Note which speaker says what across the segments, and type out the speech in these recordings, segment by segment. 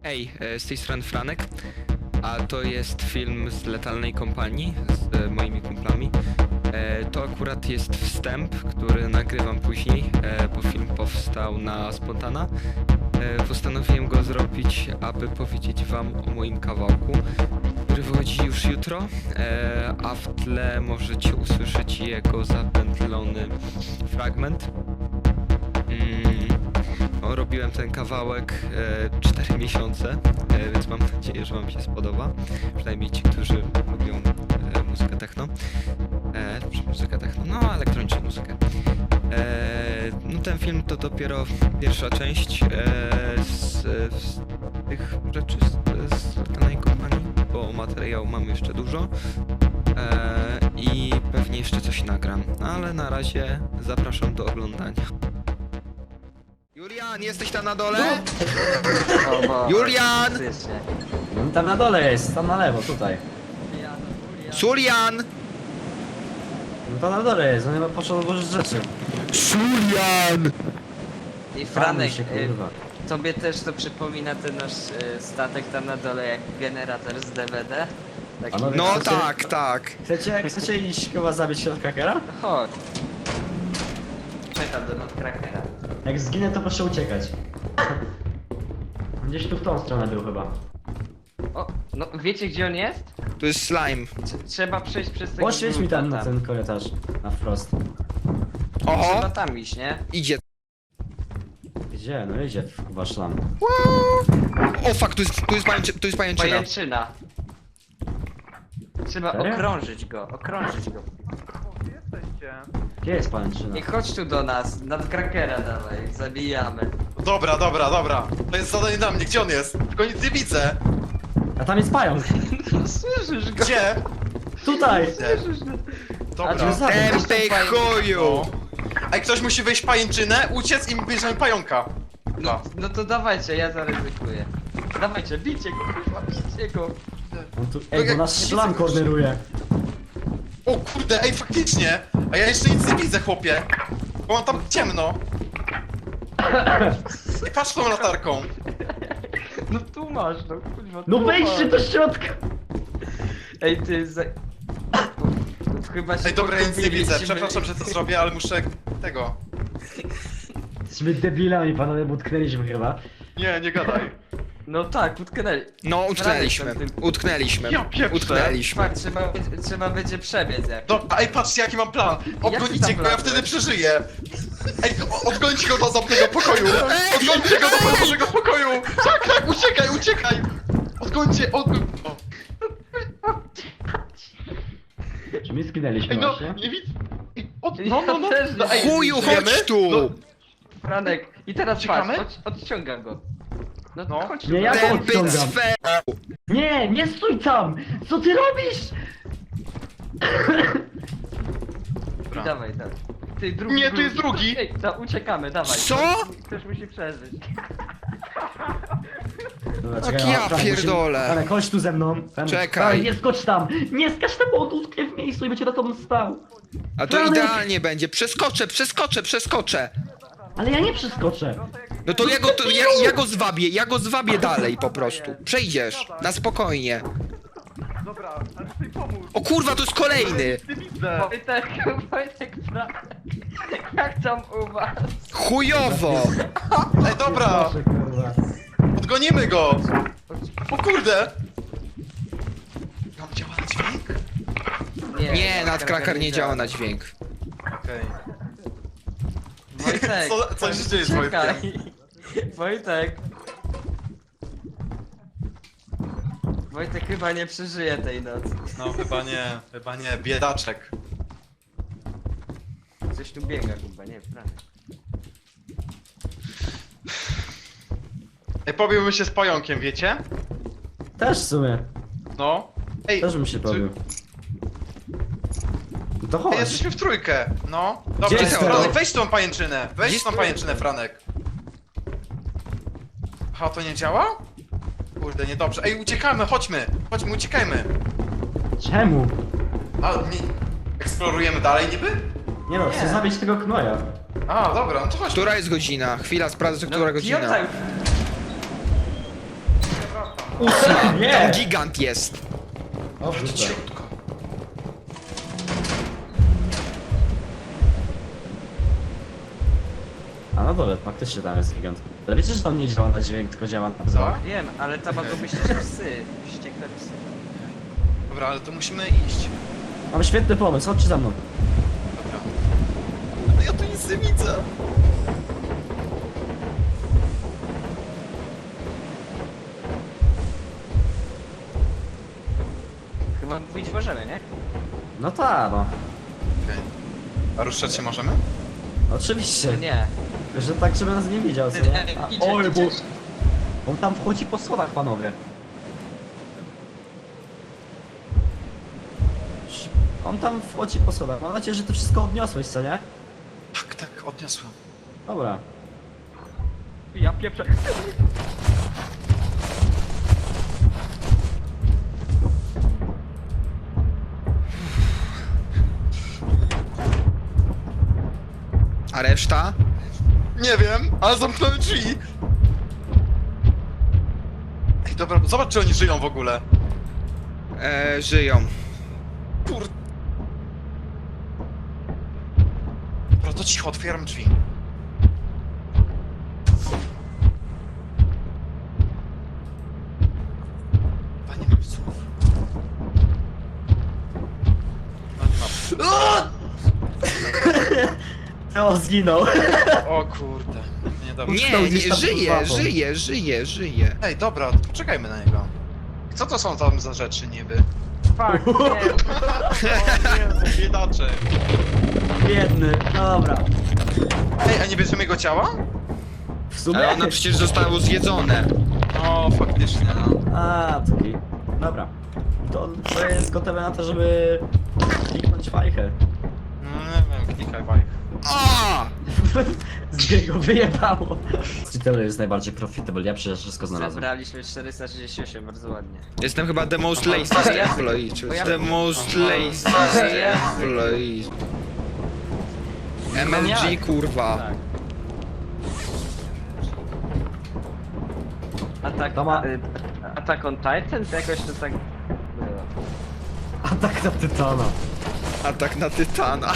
Speaker 1: Hej, z tej strony Franek, a to jest film z Letalnej Kompanii z moimi kumplami. To akurat jest wstęp, który nagrywam później, bo film powstał na spontana. Postanowiłem go zrobić, aby powiedzieć wam o moim kawałku, który wychodzi już jutro, a w tle możecie usłyszeć jego zapętlony fragment. Robiłem ten kawałek 4 miesiące, więc mam nadzieję, że wam się spodoba. Przynajmniej ci, którzy lubią muzykę techno. Muzykę techno, no elektroniczną muzykę. No ten film to dopiero pierwsza część z tych rzeczy z Letalnej Kompanii, bo materiału mam jeszcze dużo. I pewnie jeszcze coś nagram, ale na razie zapraszam do oglądania. Julian, jesteś tam na dole? Julian!
Speaker 2: Tam na dole jest, tam na lewo, tutaj.
Speaker 1: Julian!
Speaker 2: No to na dole jest, on chyba poszedł odłożyć rzeczy.
Speaker 1: Julian!
Speaker 3: I Franek,
Speaker 2: się, kurwa.
Speaker 3: tobie też to przypomina ten nasz statek tam na dole jak generator z DVD? Taki...
Speaker 2: Panowie,
Speaker 1: No
Speaker 2: chcecie-
Speaker 1: tak, tak.
Speaker 2: Chcecie iść chyba zabić środkrakera?
Speaker 3: Chodź. Czekam do Nutcrackera.
Speaker 2: Jak zginę, to proszę uciekać. Gdzieś tu w tą stronę był chyba.
Speaker 3: O, no wiecie gdzie on jest?
Speaker 1: Tu jest slime.
Speaker 3: Trzeba przejść przez tego
Speaker 2: Poświeć mi tam na
Speaker 3: gluta.
Speaker 2: ten korytarz, na wprost.
Speaker 3: Trzeba
Speaker 1: Oho!
Speaker 3: tam iść, nie?
Speaker 1: Idzie.
Speaker 2: Gdzie? No idzie chyba szlam.
Speaker 1: O fuck, tu jest pajęczyna.
Speaker 3: Pajęczyna. Trzeba
Speaker 2: Serio?
Speaker 3: okrążyć go.
Speaker 2: Gdzie jest pajęczyna?
Speaker 3: I chodź tu do nas, Nutcrackera dawaj, zabijamy.
Speaker 4: Dobra. To jest zadanie dla mnie. Gdzie on jest? Tylko nic nie widzę.
Speaker 2: A tam jest pająk!
Speaker 3: Słyszysz go?
Speaker 4: Gdzie?
Speaker 2: Tutaj!
Speaker 4: Dobra.
Speaker 2: A, za-
Speaker 1: Tempej chuju!
Speaker 4: Ej, ktoś musi wejść w pajęczynę, uciec i bierzemy pająka.
Speaker 3: No, no to dawajcie, ja zaryzykuję. Dawajcie, bijcie go, kurwa, bijcie go.
Speaker 2: On tu... Ej, bo nas szlam korneruje.
Speaker 4: O kurde, ej, faktycznie. A ja jeszcze nic nie widzę, chłopie. Bo mam tam ciemno. I patrz tą latarką.
Speaker 3: No tu masz, no kurwa.
Speaker 2: No
Speaker 3: tu
Speaker 2: wejdźcie
Speaker 3: masz.
Speaker 2: do środka!
Speaker 3: Ej, ty za... Chyba się
Speaker 4: Ej, dobra, ja nic nie widzę.
Speaker 3: pogubiliśmy.
Speaker 4: Przepraszam, że to zrobię, ale muszę tego.
Speaker 2: Jesteśmy debilami, panowie, bo utknęliśmy chyba.
Speaker 4: Nie gadaj.
Speaker 3: No tak, utknęli.
Speaker 1: No, utknęliśmy. Utknęliśmy.
Speaker 4: Ja pieprzę.
Speaker 1: Utknęliśmy.
Speaker 3: Fakt, trzeba będzie przebiec jak.
Speaker 4: Dobra, ej, patrzcie jaki mam plan. Odgonicie
Speaker 3: tam
Speaker 4: go, ja
Speaker 3: plan
Speaker 4: wtedy
Speaker 3: byłeś?
Speaker 4: przeżyję. Ej, odgońcie go do zamkniętego pokoju. Odgońcie go do zamkniętego pokoju. Tak, uciekaj. Odgońcie, O.
Speaker 2: Czy my skinęliśmy
Speaker 4: Ej, no,
Speaker 2: właśnie?
Speaker 4: nie widzę. Ej,
Speaker 3: Ja też nie.
Speaker 4: Ej,
Speaker 1: Chuju,
Speaker 4: żyjemy?
Speaker 1: chodź tu!
Speaker 4: No,
Speaker 3: Franek, i teraz
Speaker 4: Uciekamy?
Speaker 3: patrz, odciągam go. No,
Speaker 4: No.
Speaker 3: chodź tu.
Speaker 2: Nie, ja
Speaker 3: Franek.
Speaker 2: to
Speaker 1: Tempy
Speaker 2: odciągam.
Speaker 1: cwe...
Speaker 2: Nie, nie stój tam! Co ty robisz?
Speaker 3: I dawaj, dawaj. Ty, drugi.
Speaker 4: Nie, tu jest drugi.
Speaker 3: Ej, to uciekamy, dawaj.
Speaker 1: Co?
Speaker 3: Ktoś musi przeżyć.
Speaker 2: Dobra,
Speaker 1: Tak
Speaker 2: czekaj,
Speaker 1: ja
Speaker 2: Franek,
Speaker 1: pierdolę.
Speaker 2: Franek, chodź tu ze mną. Franek,
Speaker 1: Czekaj.
Speaker 2: Franek, nie skocz tam! Nie skacz tam, bo on utknie w miejscu i będzie na tobą stał.
Speaker 1: A to
Speaker 2: Franek!
Speaker 1: idealnie będzie. Przeskoczę.
Speaker 2: Ale ja nie przeskoczę.
Speaker 1: No to ja go zwabię dalej po prostu. Przejdziesz. Na spokojnie.
Speaker 4: Dobra, ale chcę pomóc.
Speaker 1: O kurwa, to jest kolejny.
Speaker 4: Nie widzę.
Speaker 3: Wojtek, Franek. Jak tam u was?
Speaker 1: Chujowo.
Speaker 4: Ej, dobra,
Speaker 2: Proszę, kurwa.
Speaker 4: odgonimy go. O kurde. Tam działa na dźwięk?
Speaker 1: Nie, Nutcracker nie działa na dźwięk.
Speaker 4: Okej.
Speaker 3: Wojtek,
Speaker 4: Co się dzieje z Wojtkiem?
Speaker 3: czekaj. Wojtek. Wojtek chyba nie przeżyje tej nocy.
Speaker 4: No chyba nie, biedaczek.
Speaker 3: Coś tu biega chyba, nie, Franek.
Speaker 4: Ej, pobiłbym się z pająkiem, wiecie?
Speaker 2: Też w sumie.
Speaker 4: No. Ej,
Speaker 2: Też bym się pobił. No to
Speaker 4: Ej,
Speaker 2: chodź.
Speaker 4: jesteśmy w trójkę. No.
Speaker 2: Gdzie
Speaker 4: Dobra,
Speaker 2: jest
Speaker 4: Franek,
Speaker 1: to?
Speaker 4: weź tą pajęczynę.
Speaker 1: Gdzie
Speaker 4: Weź
Speaker 1: jest
Speaker 4: tą
Speaker 1: to?
Speaker 4: pajęczynę, Franek. Aha, to nie działa? Kurde, niedobrze. Ej, uciekamy, chodźmy, uciekajmy.
Speaker 2: Czemu?
Speaker 4: A, nie... Eksplorujemy dalej niby?
Speaker 2: Nie no, chcę zabić tego knoja.
Speaker 4: A, dobra, no to chodźmy.
Speaker 1: Która jest godzina? Chwila, sprawdzę, która
Speaker 3: Piotr,
Speaker 1: godzina. 8!
Speaker 2: Nie.
Speaker 1: Tam gigant jest!
Speaker 2: O, wrzucę.
Speaker 4: Ciutko.
Speaker 2: A no dobra, faktycznie tam jest gigant. Ale wiecie, że tam nie działa na dźwięk, tylko działa na
Speaker 4: Co?
Speaker 2: wzrok?
Speaker 3: Wiem, ale tam mogą być też psy. Wściekłe psy.
Speaker 4: Dobra, ale to musimy iść.
Speaker 2: Mam świetny pomysł, chodźcie za mną.
Speaker 4: Dobra. Kurde, ja tu nic nie widzę.
Speaker 3: Chyba mówić możemy, nie?
Speaker 2: No tak, no.
Speaker 4: Okej. A ruszać się możemy?
Speaker 2: Oczywiście.
Speaker 3: Nie.
Speaker 2: Że tak, żeby nas nie widział, co nie? A, oj, bo... On tam wchodzi po schodach, panowie. On tam wchodzi po schodach. Mam nadzieję, że ty wszystko odniosłeś, co nie?
Speaker 4: Tak, tak, odniosłem.
Speaker 2: Dobra.
Speaker 3: Ja pieprzę.
Speaker 1: A reszta?
Speaker 4: Nie wiem, ale zamknąłem drzwi. Ej, dobra, zobacz, czy oni żyją w ogóle.
Speaker 1: Żyją.
Speaker 4: Kur... Dobra, to cicho, otwieram drzwi. Panie mam słów. No nie mam.
Speaker 2: O, zginął.
Speaker 4: O kurde. Niedobrze.
Speaker 1: Nie,
Speaker 2: Stał
Speaker 1: nie,
Speaker 2: gdzieś tam pod łapą.
Speaker 1: żyje.
Speaker 4: Ej, dobra, poczekajmy na niego. Co to są tam za rzeczy niby?
Speaker 3: Fuck, nie.
Speaker 4: O nie, biedacze.
Speaker 2: Biedny. Dobra.
Speaker 4: Ej, a nie bierzemy jego ciała?
Speaker 2: W sumie...
Speaker 1: Ale ono przecież zostało zjedzone.
Speaker 4: O, faktycznie, no.
Speaker 2: A, taki. Dobra. To jest gotowe na to, żeby kliknąć fajkę.
Speaker 4: No nie wiem, klikaj bajk.
Speaker 1: A!
Speaker 2: Z niego wyjebało. Tyle jest najbardziej profitable, ja przecież wszystko znalazłem.
Speaker 3: Zebraliśmy 438, bardzo ładnie.
Speaker 1: Jestem chyba the most lazy
Speaker 3: Aha, ja-
Speaker 1: employee.
Speaker 3: bo ja-
Speaker 1: The most
Speaker 3: Aha.
Speaker 1: lazy
Speaker 3: Ja-
Speaker 1: employee. MLG kurwa.
Speaker 3: Tak. Atak,
Speaker 2: To ma-
Speaker 3: Attack on Titan? To jakoś to tak było.
Speaker 2: Atak na Tytana.
Speaker 1: Atak na Tytana.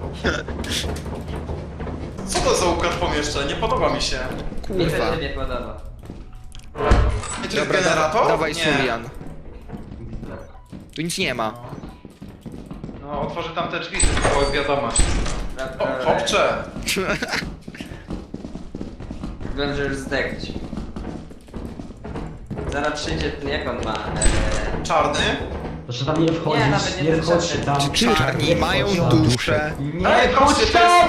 Speaker 4: Co to za układ pomieszczeń? Nie podoba mi się.
Speaker 3: Mi też
Speaker 1: Kurwa.
Speaker 3: się nie podoba.
Speaker 4: I to jest
Speaker 1: Dobra,
Speaker 4: generator?
Speaker 1: dawaj
Speaker 4: Nie.
Speaker 1: Surian. Tu nic nie ma.
Speaker 4: No, otworzę tam te drzwi, to była wiadomość. O, chłopcze!
Speaker 3: Wiem, że już zdechć. Zaraz przyjdzie ten, jak on ma...
Speaker 4: Czarny?
Speaker 2: Proszę tam nie wchodzić,
Speaker 3: Nie, nawet nie
Speaker 2: nie
Speaker 3: potrzebne.
Speaker 2: wchodźcie tam.
Speaker 1: Czarni
Speaker 2: Nie
Speaker 1: mają
Speaker 2: wchodź tam.
Speaker 1: duszę.
Speaker 2: Nie
Speaker 4: Ej,
Speaker 2: wchodź
Speaker 4: chodźcie, to
Speaker 2: tam!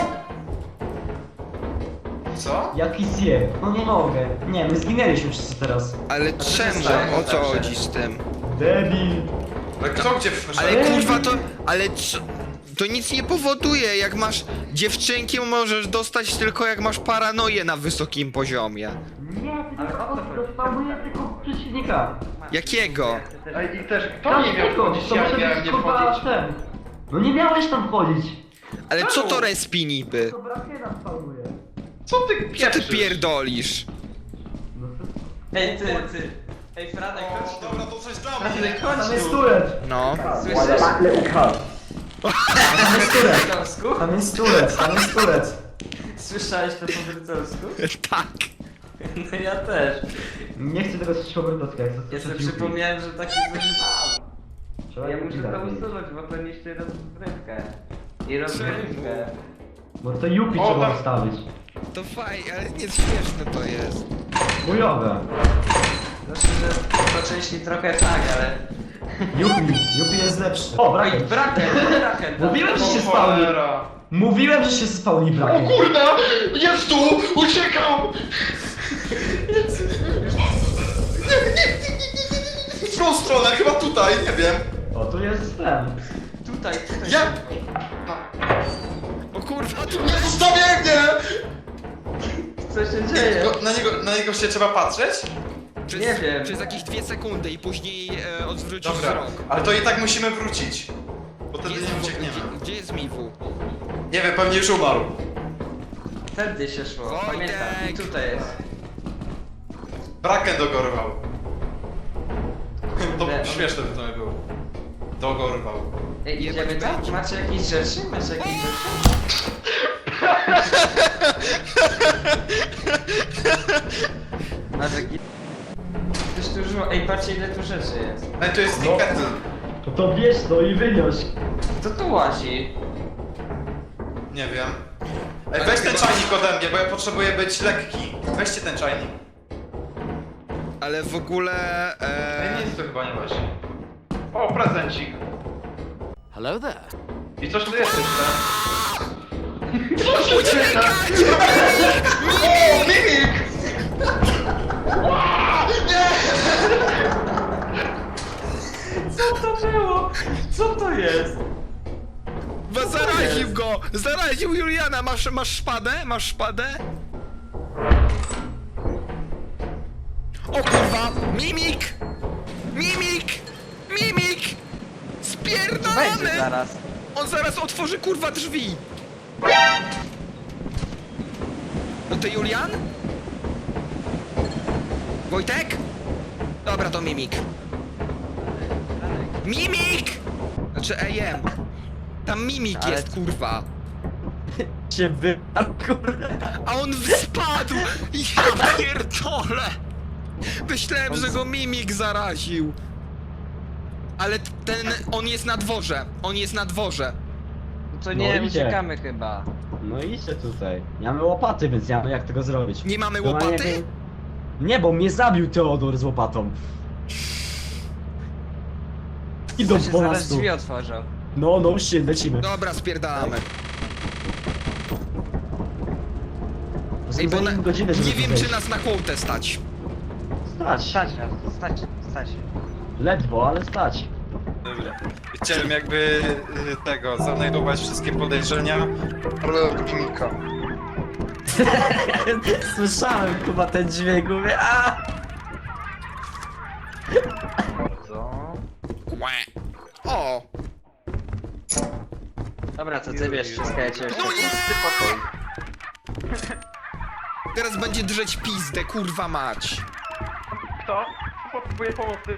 Speaker 4: Co?
Speaker 2: Jaki zjeb? No nie mogę. Nie, my zginęliśmy wszyscy teraz.
Speaker 1: Ale czemu?
Speaker 3: stało?
Speaker 1: O co chodzi z tym?
Speaker 2: Debil.
Speaker 4: Ale kto gdzie wszedł?
Speaker 1: Ale kurwa to... Ale co? To nic nie powoduje, jak masz dziewczynki możesz dostać tylko jak masz paranoję na wysokim poziomie.
Speaker 2: Nie,
Speaker 3: Ale o co chodzi?
Speaker 2: dostałuje tylko przeciwnika.
Speaker 1: Jakiego?
Speaker 4: Ej, i też kto nie miał wchodzić,
Speaker 2: to
Speaker 4: ja
Speaker 2: muszę
Speaker 4: miałem
Speaker 2: być,
Speaker 4: nie
Speaker 2: kurwa,
Speaker 4: wchodzić.
Speaker 2: ten. No nie miałeś tam wchodzić.
Speaker 1: Ale co to respi niby?
Speaker 2: To brakiera spawnuje.
Speaker 4: Co ty
Speaker 1: Co ty
Speaker 4: pieprzysz?
Speaker 1: pierdolisz?
Speaker 2: No to...
Speaker 3: Ej, ty. Ej, Franek, chodź
Speaker 4: O,
Speaker 3: tu.
Speaker 4: dobra, to coś dla
Speaker 3: Franek,
Speaker 4: mnie.
Speaker 3: chodź
Speaker 2: Tam jest
Speaker 3: tu.
Speaker 2: turret.
Speaker 1: No.
Speaker 3: Słyszysz?
Speaker 2: Tam jest turret.
Speaker 3: Brytolsku?
Speaker 2: Tam jest turret. Tam jest turret.
Speaker 3: Słyszałeś to po brytolsku?
Speaker 1: Tak.
Speaker 3: No ja też.
Speaker 2: Nie chcę tego słyszeć po brytolsku, jak to
Speaker 3: Ja sobie przypomniałem, że taki zużywałem.
Speaker 2: Trzeba
Speaker 3: Ja
Speaker 2: go
Speaker 3: muszę to
Speaker 2: zabić.
Speaker 3: usunąć, bo to niszczy rozgrywkę. I rozgrywkę.
Speaker 2: Bo to Yupi
Speaker 4: O,
Speaker 2: trzeba
Speaker 4: tam-
Speaker 2: wstawić.
Speaker 1: To fajnie, ale nie śmieszne to jest.
Speaker 2: Chujowe.
Speaker 3: Znaczy, że po części trochę tak, ale...
Speaker 2: Yupi jest lepszy. O,
Speaker 3: Oj,
Speaker 2: braken.
Speaker 3: braken.
Speaker 2: Mówiłem, że się
Speaker 4: O,
Speaker 2: spawni.
Speaker 4: cholera.
Speaker 2: Mówiłem, że się spawni
Speaker 4: O
Speaker 2: braken.
Speaker 4: kurde! Jest tu! Uciekał! W którą stronę? Chyba tutaj, nie wiem.
Speaker 2: O, tu jest ten.
Speaker 3: Tutaj.
Speaker 4: Ja...
Speaker 1: O kurwa, tu...
Speaker 4: Nie zostawiaj mnie!
Speaker 3: Co się dzieje?
Speaker 4: Na niego się trzeba patrzeć?
Speaker 1: Przez,
Speaker 3: Nie wiem.
Speaker 1: Przez jakieś 2 sekundy i później odwrócisz
Speaker 4: Dobra,
Speaker 1: wzrok.
Speaker 4: ale to i tak musimy wrócić. Bo
Speaker 1: Gdzie
Speaker 4: wtedy
Speaker 1: jest,
Speaker 4: nie uciekniemy.
Speaker 1: gdzie jest Miwu?
Speaker 4: Nie wiem, pewnie już umarł.
Speaker 3: Wtedy się szło,
Speaker 1: Wojtek!
Speaker 3: pamiętam. I tutaj jest.
Speaker 4: Braken dogorwał. śmieszne by to nie było. Dogorwał.
Speaker 3: Ej,
Speaker 1: Jebać
Speaker 3: idziemy tam?
Speaker 1: będzie.
Speaker 3: Macie jakieś rzeczy? Macie jakieś rzeczy? Masz jakieś... Coś tu dużo... Ej, patrzcie ile tu rzeczy jest.
Speaker 4: Ej, to jest
Speaker 2: No.
Speaker 4: kettle.
Speaker 2: No to bierz to i wyniósł.
Speaker 3: Kto tu łazi?
Speaker 4: Nie wiem. Ej, weź ten czajnik ode mnie, bo ja potrzebuję być lekki. Weźcie ten czajnik.
Speaker 1: Ale w ogóle...
Speaker 4: Ej, nic to chyba nie właśnie. O, prezencik.
Speaker 5: Hello there.
Speaker 4: I coś tu jest jeszcze.
Speaker 1: Uciekać!
Speaker 4: O, mimik!
Speaker 3: Co to było? Co to jest?
Speaker 1: Zaraził go! Zaraził Juliana! Masz szpadę? Masz szpadę? O kurwa! Mimik! Mimik! Mimik!
Speaker 3: Będzie
Speaker 1: Spierdolony!
Speaker 3: zaraz.
Speaker 1: On zaraz otworzy kurwa drzwi! No to Julian? Wojtek? Dobra, to Mimik. Mimik! Znaczy AM. Tam Mimik
Speaker 3: Ale-
Speaker 1: jest, kurwa.
Speaker 2: Się wyparł, kurde.
Speaker 1: A on spadł! Ja pierdolę! Myślałem, że go Mimik zaraził. Ale on jest na dworze. On jest na dworze.
Speaker 3: No to nie,
Speaker 2: No idzie.
Speaker 3: uciekamy chyba.
Speaker 2: No idźcie tutaj. Nie mamy łopaty, więc nie mamy jak tego zrobić.
Speaker 1: Nie mamy
Speaker 2: To ma
Speaker 1: łopaty?
Speaker 2: Nie, bo mnie zabił Teodor z łopatą. Idą
Speaker 3: To się
Speaker 2: po
Speaker 3: zaraz
Speaker 2: nas tu.
Speaker 3: drzwi otworzą.
Speaker 2: No shit, lecimy.
Speaker 1: Dobra, spierdalamy. Ej, bo
Speaker 2: Zajmie godzinę, żeby
Speaker 1: nie
Speaker 2: tu
Speaker 1: wiem,
Speaker 2: wejść.
Speaker 1: czy nas na kłotę stać.
Speaker 2: Stać.
Speaker 3: Stać.
Speaker 2: Ledwo, ale stać.
Speaker 4: Dobra. Chciałem jakby tego, zanajdować wszystkie podejrzenia. Ale mimika.
Speaker 2: Słyszałem chyba ten dźwięk, mówię a!
Speaker 1: Kłe. O!
Speaker 3: Dobra, to ty wiesz wszystko, ja cię
Speaker 1: No nie!
Speaker 3: Ty pokój.
Speaker 1: Teraz będzie drzeć pizdę, kurwa mać.
Speaker 6: Kto? Potrzebuję pomocy.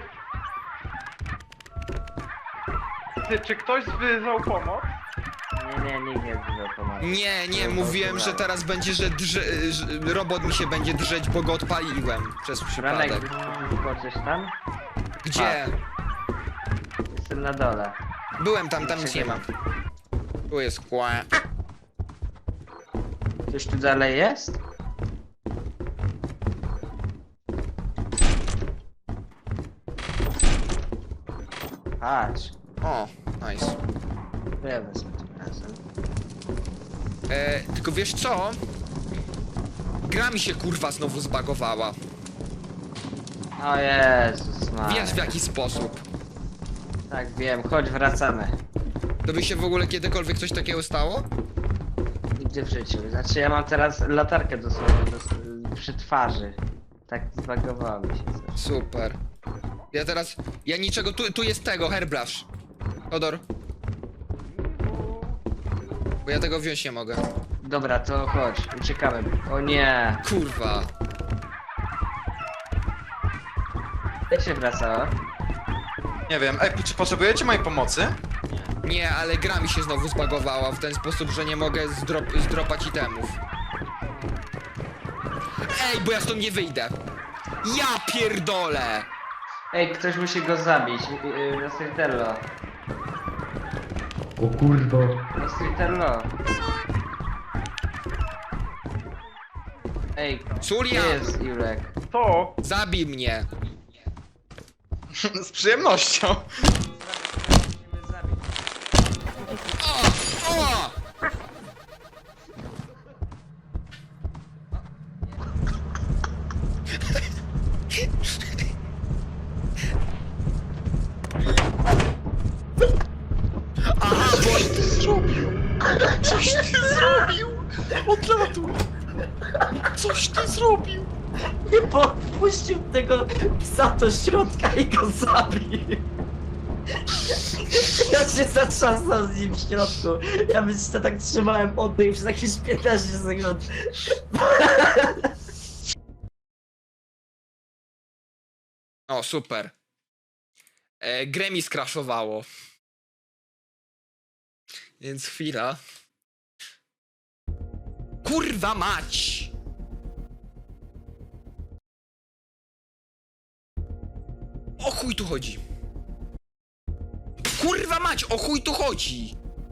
Speaker 6: Ty, czy ktoś wyzwał pomoc?
Speaker 3: Nie, nikt nie wziął pomocy.
Speaker 1: Nie, mówiłem, że teraz będzie, że robot mi się będzie drzeć, bo go odpaliłem przez
Speaker 3: Ranek,
Speaker 1: przypadek.
Speaker 3: wchodzisz tam?
Speaker 1: Gdzie?
Speaker 3: Jestem na dole.
Speaker 1: Byłem tam nic nie ma. Tu jest kłe.
Speaker 3: Ktoś tu dalej jest? Patrz,
Speaker 1: O, nice.
Speaker 3: to ja wezmę tym razem.
Speaker 1: Tylko wiesz co? Gra mi się kurwa znowu zbagowała.
Speaker 3: O Jezus Maria.
Speaker 1: Wiesz w jaki sposób.
Speaker 3: Tak, wiem, chodź, wracamy.
Speaker 1: To by się w ogóle kiedykolwiek coś takiego stało?
Speaker 3: Nigdy w życiu. Znaczy ja mam teraz latarkę dosłownie przy twarzy. Tak zbagowało mi się coś.
Speaker 1: Super. Ja niczego, tu jest tego, hairbrush. Odor. Bo ja tego wziąć nie mogę.
Speaker 3: Dobra, to chodź, uciekamy. O nie!
Speaker 1: Kurwa.
Speaker 3: Jak się wracało?
Speaker 4: Nie wiem, ej, czy potrzebujecie mojej pomocy?
Speaker 1: Nie, ale gra mi się znowu zbagowała w ten sposób, że nie mogę zdropać itemów. Ej, bo ja stąd nie wyjdę. Ja pierdolę!
Speaker 3: Ej, ktoś musi go zabić. Nostritello.
Speaker 2: O kurwa.
Speaker 3: Nostritello. Ej, gdzie
Speaker 1: Julian,
Speaker 3: jest Julek?
Speaker 6: To!
Speaker 1: zabij mnie.
Speaker 4: Z przyjemnością.
Speaker 3: Musimy zabić.
Speaker 1: O! Aha, bo...
Speaker 4: Coś ty zrobił! Odlatuj! Coś ty zrobił!
Speaker 2: Nie podpuścił tego psa do środka i go zabił. Ja się zatrzasnął z nim w środku. Ja myślę, tak trzymałem oddech przez jakieś 15 sekund.
Speaker 1: O, super. Grę mi skraszowało. Więc chwila. Kurwa mać! O chuj tu chodzi? Kurwa mać, o chuj tu chodzi?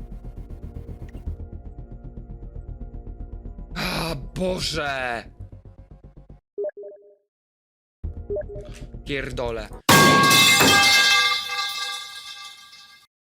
Speaker 1: A Boże! Pierdolę.